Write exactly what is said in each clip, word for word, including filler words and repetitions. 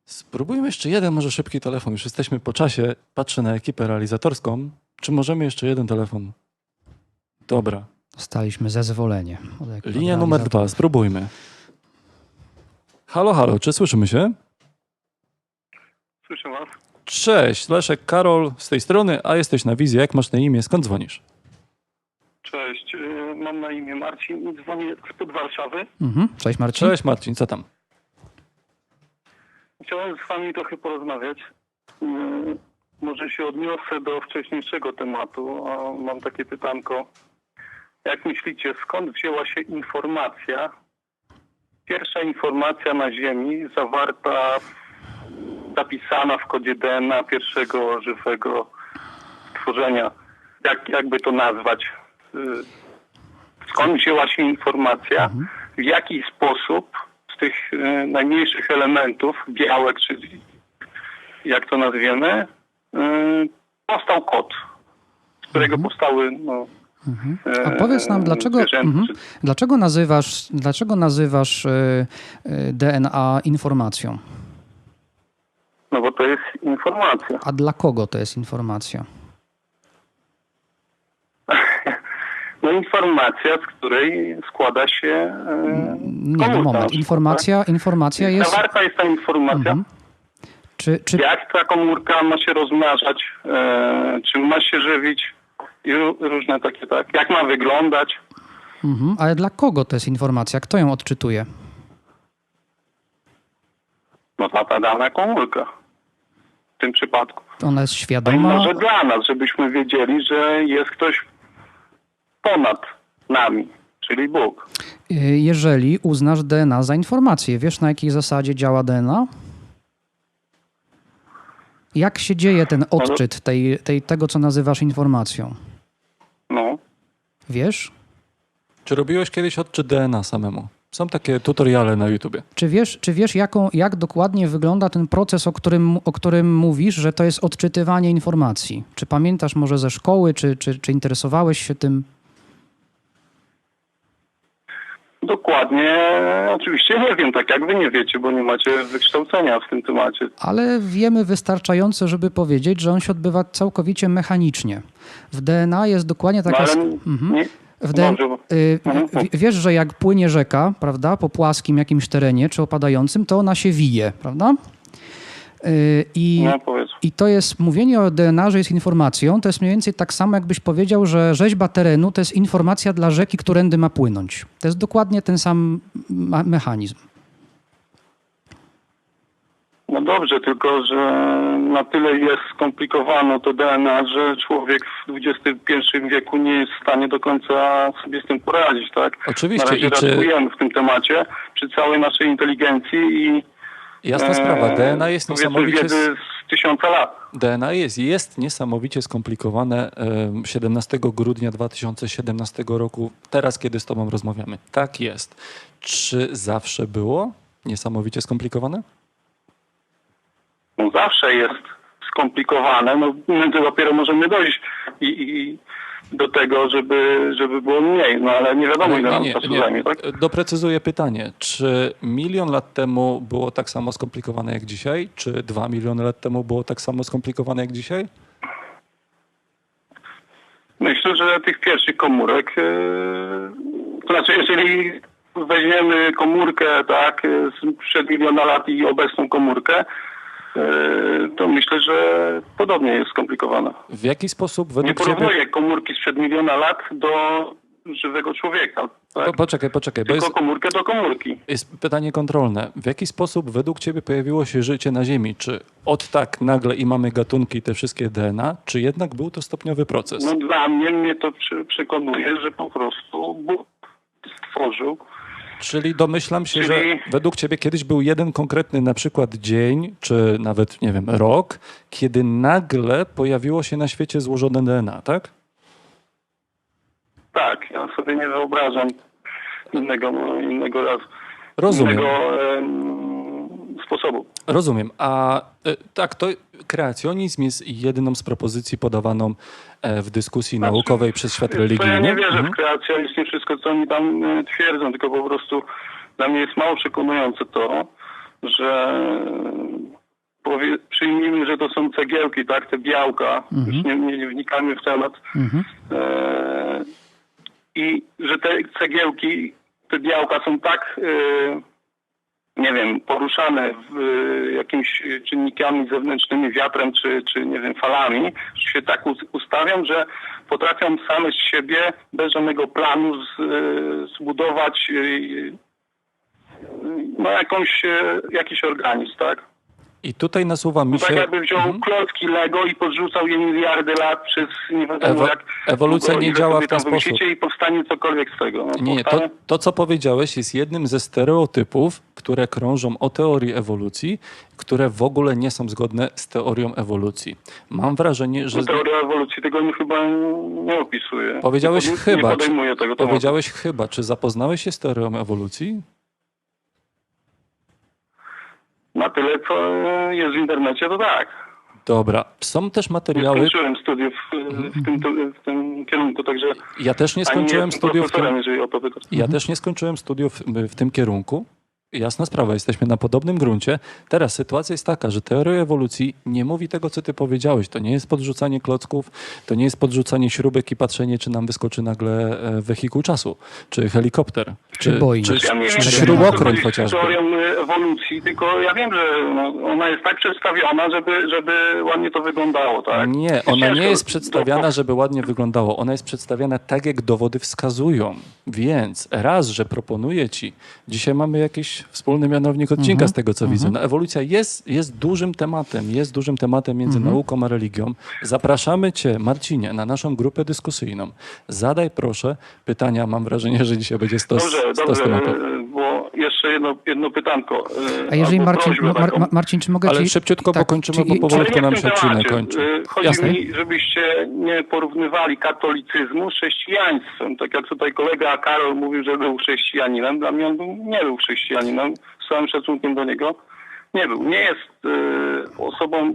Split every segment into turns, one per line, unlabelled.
Spróbujmy jeszcze jeden, może szybki telefon. Już jesteśmy po czasie. Patrzę na ekipę realizatorską. Czy możemy jeszcze jeden telefon? Dobra.
Dostaliśmy zezwolenie. Od
Linia numer dwa. Spróbujmy. Halo, halo. Czy słyszymy się?
Słyszę was.
Cześć. Leszek, Karol z tej strony, a jesteś na wizji. Jak masz na imię? Skąd dzwonisz?
Cześć, yy, mam na imię Marcin i dzwonię spod Warszawy.
Mhm. Cześć Marcin.
Cześć Marcin, co tam?
Chciałem z wami trochę porozmawiać. Yy, może się odniosę do wcześniejszego tematu, a mam takie pytanko. Jak myślicie, skąd wzięła się informacja, pierwsza informacja na Ziemi zawarta, zapisana w kodzie D N A pierwszego żywego stworzenia? Jak, jakby to nazwać? Yy, skąd wzięła się informacja?
Mhm.
W jaki sposób z tych y, najmniejszych elementów, białek, czyli jak to nazwiemy, y, powstał kod, z którego
Mhm.
powstały no,
Mhm.
y,
A powiedz nam, dlaczego,
zwierzęta,
mhm.
czy-
dlaczego nazywasz, dlaczego nazywasz y, y, D N A informacją?
No bo to jest informacja.
A dla kogo to jest informacja?
No informacja, z której składa się y,
Nie,
komórka
no
na
moment.
przykład,
Informacja, informacja
tak?
jest...
Zawarta jest ta informacja.
Mhm. Czy, czy,
Jak ta komórka ma się rozmnażać, e, czym ma się żywić i ró- różne takie, tak? Jak ma wyglądać.
mhm. Ale dla kogo to jest informacja? Kto ją odczytuje?
No ta, ta dana komórka w tym przypadku.
Ona jest
No i
świadoma?
może dla nas, żebyśmy wiedzieli, że jest ktoś ponad nami, czyli Bóg.
Y, Jeżeli uznasz D N A za informację, wiesz na jakiej zasadzie działa D N A? Jak się dzieje ten odczyt tej, tej, tego, co nazywasz informacją?
No.
Wiesz?
Czy robiłeś kiedyś odczyt D N A samemu? Są takie tutoriale na YouTubie.
Czy wiesz, czy wiesz jaką, jak dokładnie wygląda ten proces, o którym, o którym mówisz, że to jest odczytywanie informacji? Czy pamiętasz może ze szkoły, czy, czy, czy interesowałeś się tym?
Dokładnie, oczywiście nie wiem, tak jak wy nie wiecie, bo nie macie wykształcenia w tym temacie.
Ale wiemy wystarczająco, żeby powiedzieć, że on się odbywa całkowicie mechanicznie. W D N A jest dokładnie
No
taka...
ale
sk- mhm.
nie,
W D N
może,
y,
Mhm.
w- wiesz, że jak płynie rzeka, prawda, po płaskim jakimś terenie, czy opadającym, to ona się wije, prawda? Y, I,
no powiedz.
I to jest, mówienie o D N A, że jest informacją, to jest mniej więcej tak samo, jakbyś powiedział, że rzeźba terenu to jest informacja dla rzeki, którędy ma płynąć. To jest dokładnie ten sam ma- mechanizm.
No dobrze, tylko że na tyle jest skomplikowane to D N A, że człowiek w dwudziestym pierwszym wieku nie jest w stanie do końca sobie z tym poradzić, tak?
Oczywiście.
Na razie
I czy...
raczkujemy w tym temacie przy całej naszej inteligencji i
Jasna sprawa. D N A jest
powiedzmy
niesamowicie...
wiedzy z tysiąca lat.
D N A jest, jest niesamowicie skomplikowane. em, siedemnastego grudnia dwa tysiące siedemnastego roku, teraz kiedy z tobą rozmawiamy. Tak jest. Czy zawsze było niesamowicie skomplikowane?
No zawsze jest skomplikowane, no my to dopiero możemy dojść i, i do tego, żeby, żeby było mniej, no ale nie wiadomo, ile nam czasu zajmie, tak?
Doprecyzuję pytanie. Czy milion lat temu było tak samo skomplikowane jak dzisiaj? Czy dwa miliony lat temu było tak samo skomplikowane jak dzisiaj?
Myślę, że tych pierwszych komórek, yy, to znaczy jeżeli weźmiemy komórkę tak sprzed miliona lat i obecną komórkę, yy, to myślę, że podobnie jest skomplikowana.
W jaki sposób
Nie
według ciebie...
porównuję komórki sprzed miliona lat do żywego człowieka, tak?
Po, poczekaj, poczekaj, bo
Tylko
jest,
komórkę do komórki.
jest pytanie kontrolne. W jaki sposób według ciebie pojawiło się życie na Ziemi? Czy od tak nagle i mamy gatunki, te wszystkie D N A, czy jednak był to stopniowy proces?
No dla mnie, mnie to przy, przekonuje, że po prostu Bóg stworzył.
Czyli domyślam się,
Czyli-
że według ciebie kiedyś był jeden konkretny na przykład dzień, czy nawet, nie wiem, rok, kiedy nagle pojawiło się na świecie złożone D N A, tak?
Tak, ja sobie nie wyobrażam innego, no, innego razu.
Rozumiem.
Innego em, sposobu.
Rozumiem. A e, tak, to kreacjonizm jest jedyną z propozycji podawaną e, w dyskusji
Znaczy,
naukowej przez świat
To ja
religijny.
nie wierzę
Mhm.
w kreacjonizm, nie wszystko, co oni tam e, twierdzą, tylko po prostu dla mnie jest mało przekonujące to, że powie, przyjmijmy, że to są cegiełki, tak, te białka,
Mhm.
już nie, nie, nie wnikamy w temat.
Mhm.
E, I że te cegiełki, te białka są tak, e, nie wiem, poruszane w, e, jakimiś czynnikami zewnętrznymi, wiatrem czy, czy nie wiem, falami, że się tak us- ustawią, że potrafią same z siebie, bez żadnego planu z, e, zbudować e, no jakąś, e, jakiś organizm, tak?
I tutaj nasuwa mi
No tak
się...
jakby wziął
Mhm.
klocki Lego i podrzucał je miliardy lat przez nie wiadomo
Ewo-
jak...
ewolucja
długo,
nie
ile
działa
sobie
w ten
tam
sposób.
wymyślicie i powstanie cokolwiek z tego. No,
Nie, nie, to,
powstanie-
to co powiedziałeś jest jednym ze stereotypów, które krążą o teorii ewolucji, które w ogóle nie są zgodne z teorią ewolucji. Mam wrażenie, że...
No, teoria ewolucji tego nie, chyba nie opisuje.
Powiedziałeś
nie, pod-
chyba.
Nie podejmuje tego tematu.
Powiedziałeś chyba. Czy zapoznałeś się z teorią ewolucji?
Na tyle, co jest w internecie, to tak.
Dobra. Są też
Nie
materiały...
skończyłem studiów w tym, w tym kierunku, także...
Ja też nie
ani
skończyłem
jestem
studiów w tym...
profesorem, jeżeli o to pytasz.
Ja też nie skończyłem studiów w tym kierunku. Jasna sprawa, jesteśmy na podobnym gruncie. Teraz sytuacja jest taka, że teoria ewolucji nie mówi tego, co ty powiedziałeś. To nie jest podrzucanie klocków, to nie jest podrzucanie śrubek i patrzenie, czy nam wyskoczy nagle e, wehikuł czasu, czy helikopter,
Czy Boeing.
czy,
Ja nie wiem,
czy
czy
śrubokręt
to
chociażby.
jest teorią ewolucji, tylko ja wiem, że no, ona jest tak przedstawiona, żeby, żeby ładnie to wyglądało, tak?
Nie, ona
ciężko
nie jest
do-
przedstawiana, żeby ładnie wyglądało. Ona jest przedstawiana tak, jak dowody wskazują. Więc raz, że proponuję ci, dzisiaj mamy jakiś wspólny mianownik odcinka
Mhm.
z tego, co widzę. No, ewolucja jest, jest dużym tematem, jest dużym tematem między
Mhm.
nauką a religią. Zapraszamy cię, Marcinie, na naszą grupę dyskusyjną. Zadaj proszę pytania. Mam wrażenie, że dzisiaj będzie stos,
Dobrze,
stos
dobrze,
tematów.
e, bo jeszcze jedno, jedno pytanko. e,
A jeżeli
albo
Marcin,
prośbę
Mar,
taką.
Mar, Marcin, czy mogę
Ale
ci...
szybciutko, bo kończymy, bo
czy-
powolutku
Ale nie
nam
w
się
tym
odcinek
temacie.
kończy.
E, Chodzi
Jasne.
mi, żebyście nie porównywali katolicyzmu z chrześcijaństwem. Tak jak tutaj kolega Karol mówił, że był chrześcijaninem. Dla mnie on był, nie był chrześcijaninem. Z całym szacunkiem do niego. Nie był. Nie jest e, osobą...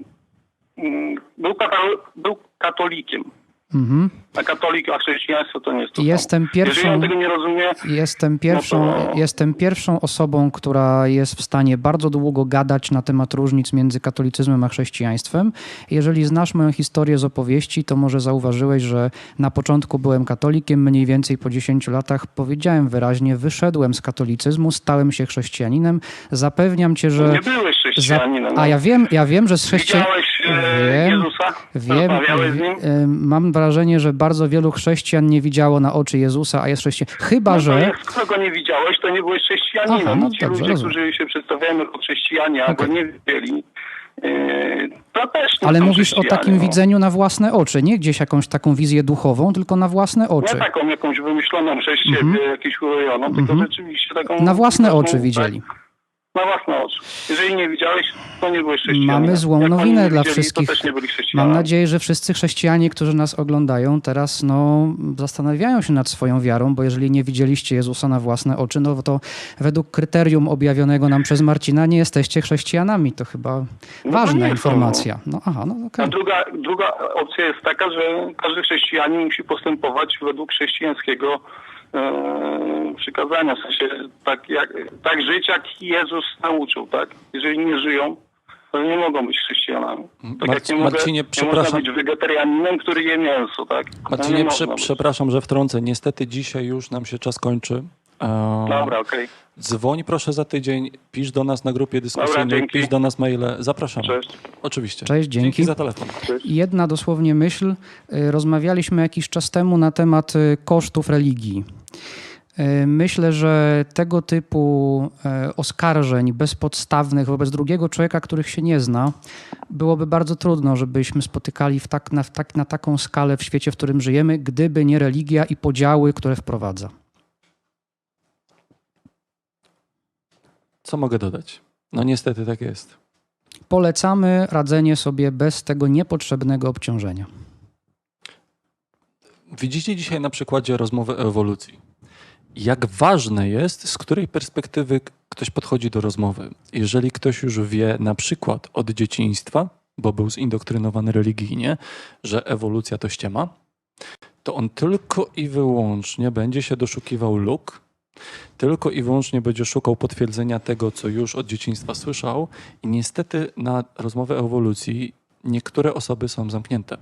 mm, Był, katol, był katolikiem.
Mhm.
A katolik, a chrześcijaństwo to nie jest to
Jestem
samo. Jeżeli
pierwszą-
on tego nie rozumie,
Jestem pierwszą,
No to-
jestem pierwszą osobą, która jest w stanie bardzo długo gadać na temat różnic między katolicyzmem a chrześcijaństwem. Jeżeli znasz moją historię z opowieści, to może zauważyłeś, że na początku byłem katolikiem, mniej więcej po dziesięciu latach powiedziałem wyraźnie, wyszedłem z katolicyzmu, stałem się chrześcijaninem. Zapewniam cię, że...
nie byłeś chrześcijaninem.
A ja wiem, ja wiem, że z chrześcijan...
Widziałeś e,
Wiem,
Jezusa?
Wiem,
Rozmawiałeś z nim?
y, mam wrażenie, że bardzo wielu chrześcijan nie widziało na oczy Jezusa, a jest chrześcijan. Chyba,
No to
że...
jak skoro go nie widziałeś, to nie byłeś chrześcijaninem.
Aha, no
Ci
dobrze,
ludzie,
rozumiem.
którzy się przedstawiają jako chrześcijanie, a
Okej.
go nie widzieli, e, to też nie
Ale
są
mówisz o
chrześcijanie,
takim
no.
widzeniu na własne oczy, nie gdzieś jakąś taką wizję duchową, tylko na własne oczy.
Nie taką jakąś wymyśloną przez siebie,
Mhm.
jakąś urojoną, tylko
Mhm.
rzeczywiście taką...
Na własne
taką,
oczy widzieli.
Tak, na własne oczy. Jeżeli nie widziałeś, to nie byłeś chrześcijaninem.
Mamy złą
Jak oni
nowinę
nie
dla
widzieli,
wszystkich.
To też nie byli chrześcijanami.
Mam nadzieję, że wszyscy chrześcijanie, którzy nas oglądają teraz, no, zastanawiają się nad swoją wiarą, bo jeżeli nie widzieliście Jezusa na własne oczy, no to według kryterium objawionego nam przez Marcina nie jesteście chrześcijanami. To chyba
No to
ważna
nie są,
informacja. No aha, no okej.
A druga, druga opcja jest taka, że każdy chrześcijanin musi postępować według chrześcijańskiego e, przykazania. W sensie tak, jak, tak żyć, jak Jezus nauczył, tak? Jeżeli nie żyją, to nie mogą być chrześcijanami. Tak
Marc-
jak nie, mogę,
Marcinie,
nie można
przepraszam.
być wegetarianinem, który je mięso, tak? No
Marcinie,
nie
prze,
można być.
przepraszam, że wtrącę. Niestety dzisiaj już nam się czas kończy. E,
Dobra, okej.
Dzwoń proszę za tydzień, pisz do nas na grupie dyskusyjnej,
dzięki.
pisz do nas maile. Zapraszamy.
Cześć.
Oczywiście.
Cześć, dzięki.
za telefon.
Cześć.
Jedna dosłownie myśl. Y, Rozmawialiśmy jakiś czas temu na temat y, kosztów religii. Y, Myślę, że tego typu y, oskarżeń bezpodstawnych wobec drugiego człowieka, których się nie zna, byłoby bardzo trudno, żebyśmy spotykali w tak, na, w tak, na taką skalę w świecie, w którym żyjemy, gdyby nie religia i podziały, które wprowadza.
Co mogę dodać? No niestety tak jest.
Polecamy radzenie sobie bez tego niepotrzebnego obciążenia.
Widzicie dzisiaj na przykładzie rozmowy o ewolucji. Jak ważne jest, z której perspektywy ktoś podchodzi do rozmowy. Jeżeli ktoś już wie na przykład od dzieciństwa, bo był zindoktrynowany religijnie, że ewolucja to ściema, to on tylko i wyłącznie będzie się doszukiwał luk Tylko i wyłącznie będzie szukał potwierdzenia tego, co już od dzieciństwa słyszał i niestety na rozmowę o ewolucji niektóre osoby są zamknięte.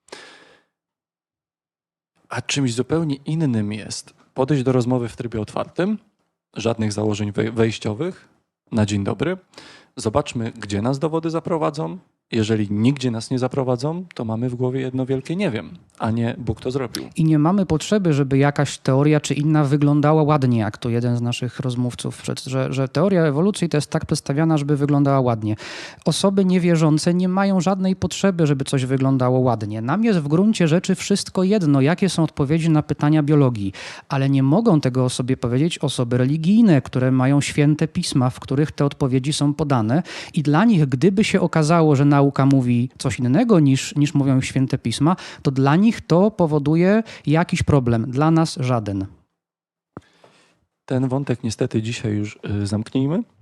A czymś zupełnie innym jest podejść do rozmowy w trybie otwartym, żadnych założeń wej- wejściowych, na dzień dobry. Zobaczmy, gdzie nas dowody zaprowadzą. Jeżeli nigdzie nas nie zaprowadzą, to mamy w głowie jedno wielkie nie wiem, a nie Bóg to zrobił.
I nie mamy potrzeby, żeby jakaś teoria czy inna wyglądała ładnie, jak to jeden z naszych rozmówców, przed- że, że teoria ewolucji to jest tak przedstawiana, żeby wyglądała ładnie. Osoby niewierzące nie mają żadnej potrzeby, żeby coś wyglądało ładnie. Nam jest w gruncie rzeczy wszystko jedno, jakie są odpowiedzi na pytania biologii, ale nie mogą tego o sobie powiedzieć osoby religijne, które mają święte pisma, w których te odpowiedzi są podane i dla nich, gdyby się okazało, że nauka mówi coś innego niż, niż mówią święte pisma, to dla nich to powoduje jakiś problem. Dla nas żaden.
Ten wątek niestety dzisiaj już y, zamknijmy.